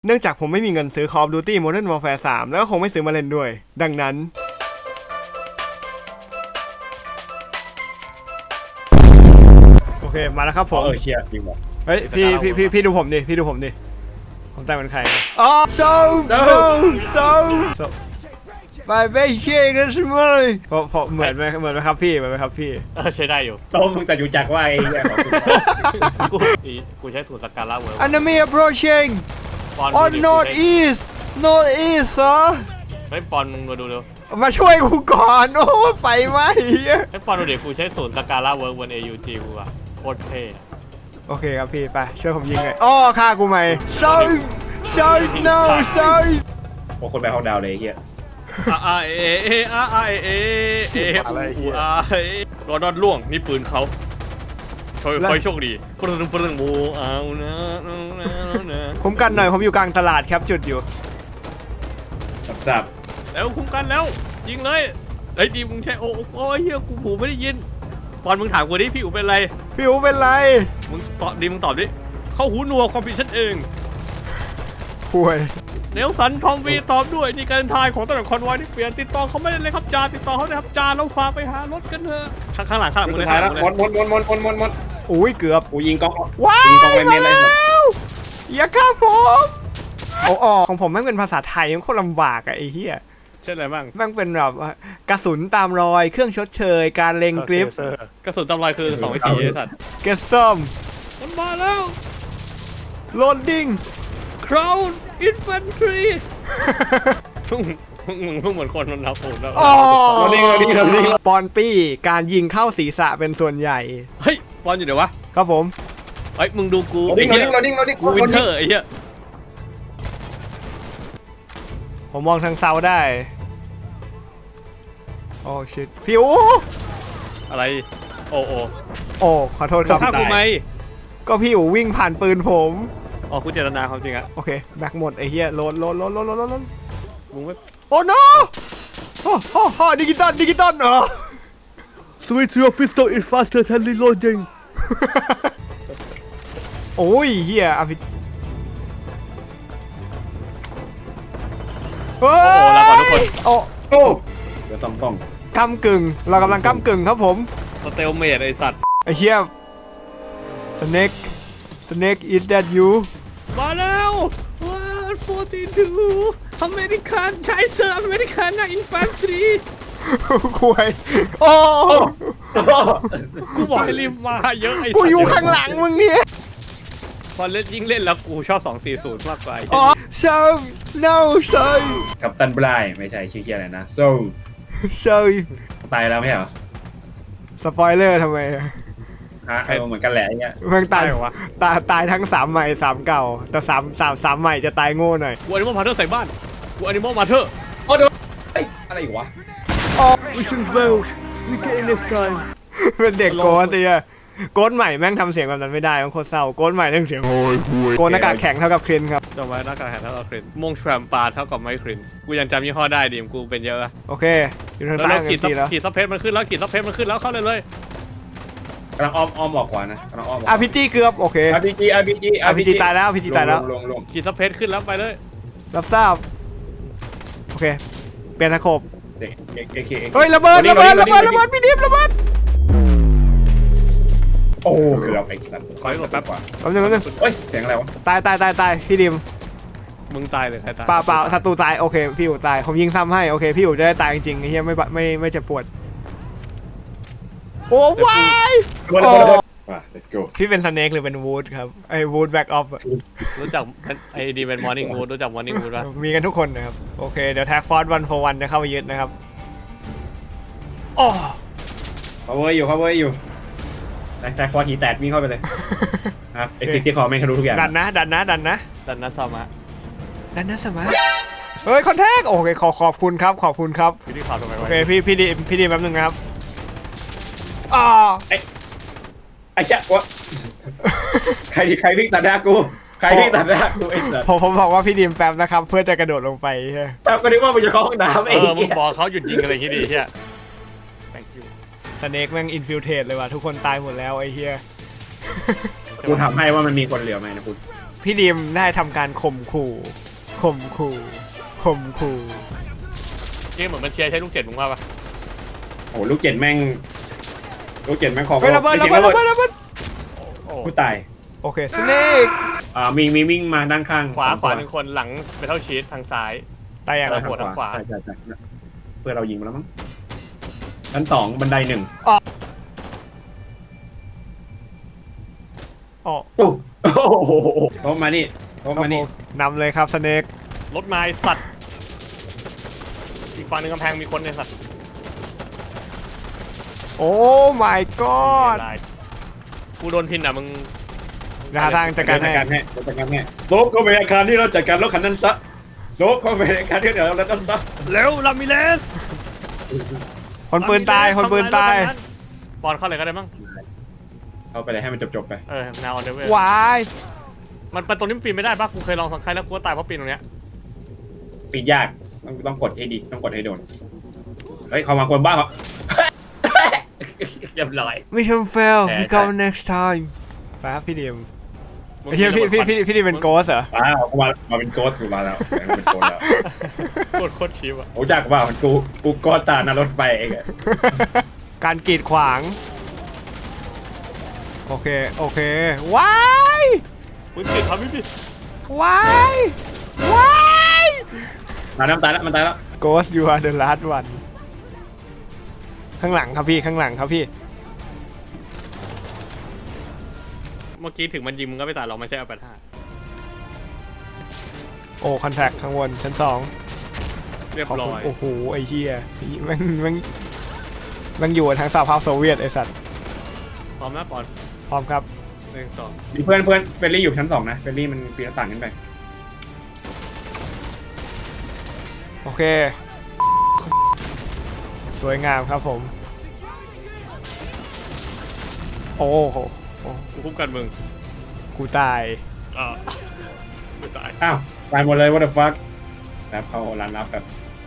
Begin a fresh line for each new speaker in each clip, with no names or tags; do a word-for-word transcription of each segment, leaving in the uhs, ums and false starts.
เนื่องจากผมไม่มีเงินซื้อ Call of Duty Modern Warfare สามแล้วก็คงไม่ซื้อมาเล่นด้วยดังนั้นโอเคมาแล้วครับผม
เออเชียร์จริงบอก
เฮ้ยพี่พี่พี่พี่ดูผมดิพี่ดูผมดิผมแต่งเป็นใครอ๋อ so no so so ไปไม่เชื่อกันใช่ไหมเพราะเพราะเหมือนไหมเหมือนไหมครับพี่เหมือนไหมครับพี่
เออใช้ได้อยู่
โต้มึงแต่อยู่จักว่าไอ้เหี้ยของคุณ
กูอีกูใช้สูตรสกาล่าเวิร์
enemy approaching
ปอน
on north east north east เหรอ
เฮ้ยปอนมึงมาดูเร็ว
มาช่วยกูก่อนโอ้ไฟไหม้เหี้ย
เฮ้ยปอนดูเดี๋ยวกูใช้สูตรสกาล่าเวิร์บน เอ ยู จี กูอะโคตรเท่อะ
โอเคครับพี่ไปช่วยผมยิงเลยอ้อฆ่ากูไหม so so no so
โอ้คนไปห้องดาวเลยไอ้เหี้ย
อาอาเอเออาอาเอเอเออูอาเอรอดอดล่วงนี่ปืนเขาคอยคอยโชคดีปรึงปรึงโมเอานะนะ
คุ้มกันหน่อยผมอยู่กลางตลาดครับจุดอยู่
สับสับ
แล้วคุ้มกันแล้วยิงเลยไอ้ดีมึงใช้โอ้โอ้เฮียกูหูไม่ได้ยินปอนมึงถามกูดิพี่อูเป็นไร
พี่อูเป็นไร
มึงตอบดีมึงตอบดิเข้าหูหนวกความผิดฉันเอง
ป่วย
เนลสันทอมวีตอบด้วยนี่การทายของตำรวจคอนวอยที่เปลี่ยนติดต่อเขาไม่ได้เลยครับจ่าติดต่อเขาเลยครับจ่าเราฝากไปหารถกันเถอะข้างข้างหลังข้างหลังมึง
สุ
เล
ด
ย
ท้ายแล้ว
มึง
มด
เลย
มดมดมดมดมดมด
อุ้ยเกือบ
กูยิงกล้อง
ว้า
ยิงกล้อง
ว
ไปเม
มาน
เลย
แล้วอย่าฆ่าผมโอ้ออของผมแม่งเป็นภาษาไทยมันโคตรลำบากอะไอ้เหี้ย
เช่นอะไรบ้าง
แม่งเป็นแบบว่ากระสุนตามรอยเครื่องชดเชยการเล็งกริป
กระสุนตำลายคือสองวิธีไอ้สัตว์
เกสซัม
มันมาแล้ว
โลดดิ้ง
Crown Infantry มึงมึงมึงมึงเหมือนคนมันรับผมแล้ว
อ๋อ
เราดิ้งเราดิ้งเราดิ้ง
ปอนปี้การยิงเข้าศีรษะเป็นส่วนใหญ่
เฮ้ยบอลอยู่เดี๋ยววะ
ครับผม
เฮ้ยมึงดูกู
เราดิ้งเราดิ้งเราดิ้งเราดิ้ง
กูวินเทอร์ไอ้เหี้ย
ผมมองทางเซาได้โอ้ชิตพี่อู
อะไรโอ้โอ้
โอ้ขอโทษครับ
ฆ่ากูไหม
ก็พี่อูวิ่งผ่านปืนผม
อ๋อกูเจตนาความจริงอะ
โอเคแบกหมดไอ้เหี้ยโหลดโหลดโหลดโหลดโหลดโหลด
มึงไม่
โอ้ no โอ้โอ้โอ้ดิจิตอลดิจิตอลเหรอ
Switch your pistol is faster than reloading
โอ้ยเหี้ยอภิโอ้
โอ้ลาก่อนทุกคน
โอ้
โอ้เดี๋ยวซ่อมกล้อง
กำกึ่งเรากำลังกำกึ่งครับผม
สเตลเมดไอ้สัตว์
ไอ้เหี้ย Snake Snake is that you
มาแล้วว้าวโฟร์ตี้ทูอเมริกันใช้เซอร์อเมริกันนะอินฟันทรี
คุยโอ้
กูบอกให้รีบมาเยอะไอ้
กูอยู่ข้างหลังมึงเนี่ย
พอเล่นยิ่งเล่นแล้วกูชอบสองสี่ศูนย์มากกว่า
อ๋อ so no so
กัปตันบรายไม่ใช่ชื่อเคียอะไรนะโซ่
so
ตายแล้วไม่ใช่เหรอ
สปอยเลอร์ทำไม
ฮะเออเหมือนกันแหละไอ้เงี้ย
เพิ่งตายตายตายทั้งสามใหม่สามเก่า แต่สามสามสามใหม่จะตายโง่หน่อย
กูอนิมอลมาเธอร์ใส่บ้านกูอนิมอลมาเธอร์
โอ้เดี๋ยวเอ้ยอะไรอีกวะ
Mission failed we get in next time
เป็นเด็กโกนตีอะโกนใหม่แม่งทำเสียงแบบนั้นไม่ได้มันโคตรเศร้าโกนใหม่ต้องเสียงโอ้ยโกนหน้ากากแข็งเท่ากับคลินครับ
จำไว้หน้ากากแข็งเท่ากับครินมงแชมปาเท่ากับไมครินกูยังจำยี่ห้อได้ดิมกูเป็นเยอะอะ
โอเค อยู่ทาง
แล้ว
ซ้าย
เรา
กั
ขีด
น
ซับ
ทีแล้ว
ขีดซับเพชรมันขึ้นแล้วขีดซับเพชรมันขึ้นแล้วเข้าเลยเลย
กำลังอ้อมอ้อมออกกว่านะกำลังอ้อมออก
อาร์พีจีเกือบโอเค
อาร์พีจีอาร์พีจี
อาร์พีจีตายแล้วอาร์พีจีตายแล้ว
ลงลง
ขีดซับเพชรขึ้นแล้วไปเลย
รับทราบโอเคเปลี่ยนตะขบ
เด็กเอเค
เฮ้ยระเบิดระเบิดระเบิดระเบิดพี่ดิบระเบิด
โอ้เกือบไอ้สัตว์
ขอให้กดแป๊บ
กว่า
แป๊บนึงแป๊บนึง
เฮ้ยเสียงอะไรวะ
ตายตายตายตายพี่ดิม
มึงตายหรือใครตาย
เปล่าเปล่าศัตรูตายโอเคพี่อู๋ตายผมยิงซ้ำให้โอเคพี่อู๋จะได้ตายจริงๆไอ้เหี้ยไม่บะไม่ไม่เจ็บปวดโอ้วาย
ระเบิดระเบิดระเบิดมา let's go
พี่เป็นสเนกหรือเป็นวูดครับไอ้วูดแบ็กออฟ
รู้จักไอ้ดีเป็นมอร์นิ่งวูดรู้จักมอร์นิ่งวูดป่ะ
มีกันทุกคนนะครับโอเคเดี๋ยวแท็กฟอร์ดวัน for วันจะเข้าไปยึดนะครับโอ้
cover อยู่ cover อยู่แท็กแท็กฟอร์หีแตกวิ่งเข้าไปเลยครับไอ้ฟิกที่คอแม่งทะลุทุกอย่าง
ดันนะดันนะดันนะ
ดันนัสซามะ
ดันนะสมาเฮ้ยคอนแทคโอเคขอขอบคุณครับขอบคุณครับ
พี่ที่ข่าวทำไม
โอ
วะ
เคพี่พี่ดีพี่ดีแป๊บนึงนะครับอ่า
ไอ้เจ้าวะใครใครวิ่งตัดหน้ากูใครวิ่งตัดหน้ากูไอ้สัส
ผมผมบอกว่าพี่ดีมแป๊บนะครับเพื่อจะกระโดดลงไปใช่
แต่ก็นึกว่ามันจะเข้าห้องน้ำ
เอ
ไอ้
อมึงบอกเขาหยุดยิงอะไรที่ดีเฮีย thank you
สเนกแม่งอินฟิลเทรตเลยว่ะทุกคนตายหมดแล้วไอ้เหี้ย
กูถามให้ว่ามันมีคนเหลือไหมนะกู
พี่ดีมได้ทำการข่มขู่ข่มขู่ข่มขู่
เกมเหมือนมันเชียร์ใช้ลูกเจ็ดมึงว่าปะ
โอ้ลูกเจ็ดแม่งลูกเจ็ดแม่งของ
เฮ้ยระเบิดระเบิดระเบิดระเบิด
โอ้
ผู้ตาย
โอเคสเนก
อ่ามีมีวิ่งมาด้านข้าง
ขวาขวาหนึ่งคนหลังเมทัลชีททางซ้าย
ตายอย่าง
เอ
ไร
อ หัวทางขวา
ใช่ใช่ใช่เพื่อเรายิงมาแล้วมั้งชั้นสองบันไดหนึ่ง
อ๋อ
โอ้โหเข้ามานี่เข้ามานี่
นำเลยครับสเนก
รถไม้สัตว์อีกฝั่งหนึ่งกำแพงมีคนในสัตว์
โอ้ my god
ลายกูโดนพินอ่ะมึง
หาทางจัดการ
จัด
ให้
การให้จัดการให้โลบเข้าไปอาคารที่เราจัดการรถคันนั้นซะโลบเข้าไปอาคารที่เราแล้วนั้นซะ
เร็วลามิเลส
คนปืนตายคนปืนตาย
บอลเข้าเลยก็ได้มั้ง
เข้าไปเลยให้มันจบๆไป
เออแนวออนเดเวอ
วาย
มันเป็นตรงนี้มันปีนไม่ได้ปะกูเคยลองสังใครแล้วกูก็ตายเพราะปีนตรงเนี้ย
ปีนยากต้องต้องกดให้ดีต้องกดให้โดนเฮ้ยเขามากวนบ้าเขาเรียบร้อย
Mission fail
แพ้
we go next time ไปครับพี่ดีม
มึง
ไอ้เหี้ยพี่พี่พี่พี่ดีมเป็นโกสเหรอ
ว้าวเขามามาเป็นโกสกูมาแล้วเป็นโกสแล้ว
โคตรโคตรชิปอ่ะ
โอ้จักว่ามันกูกูโกสตาหนารถไฟเองอะ
การกีดขวาง โอเค โอเค ว้าย
มึงติดทำไม่ผิด
ว้ายว้าย
มาน้ำตายแล้วมันตายแล้ว
Ghost you are the last one ข้างหลังครับพี่ ข้างหลังครับพี่
เมื่อกี้ถึงมันยิงมึงก็ไม่ตายเราไม่ใช่เอาแปดห้า
โอ้คอนแทคข้างบนชั้นสอง
เรียบ
ขอบ
ร้
คุ
อ
ณ
ย
โอ้โห ไอ้เหี้ยมันมันมันอยู่ทางสหภาพโซเวียตไอ้สัตว์
พร้อมนะปอน
พร้อมครับ
หนึ่งสอง
มีเพื่อนเพื่อนเฟรนลี่อยู่ชั้นสองนะเฟรนลี่มันปีนหน้าต่างขึ้นไป
โอเค สวยงามครับผม โอ้โหโอ้
กูคุ้มกันมึง
กูตาย
อ่ากูตาย
อ้าวตายหมดเลย what the fuck แล้วเข้าร้านรับแบบ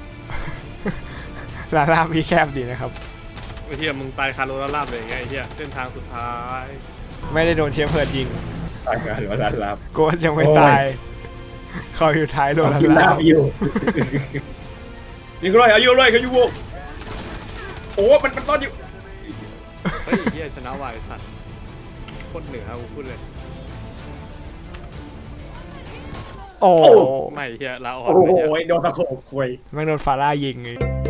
ลาลาบพี่แคบดีนะครับ
ไอ้เหี้ยมึงตายคาร์โรลาลาบเลยไงไอ้เหี้ยเส้นทางสุดท้าย
ไม่ได้โดนเชียร์เพิร์ดยิง
ตายกันหรือว่าร้านรับ
โกสยังไม่ตาย เขาอยู่ท้ายโดน
กิน
ลา
ลา
ลา
บอยู่ นี่ก็ไรอายุไรกันอยู่วโอ้มันมันตอนอยู่
เฮ้ยเหี้ยชนะวายสัตว์โคตรเหนือกูพูดเลย
โอ้
ไม่เหี้ยลาออก
โอ้โห
ไม่เหี้ย
โดนตะโขกคุย
แม่งโดนฟาร่ายิงไง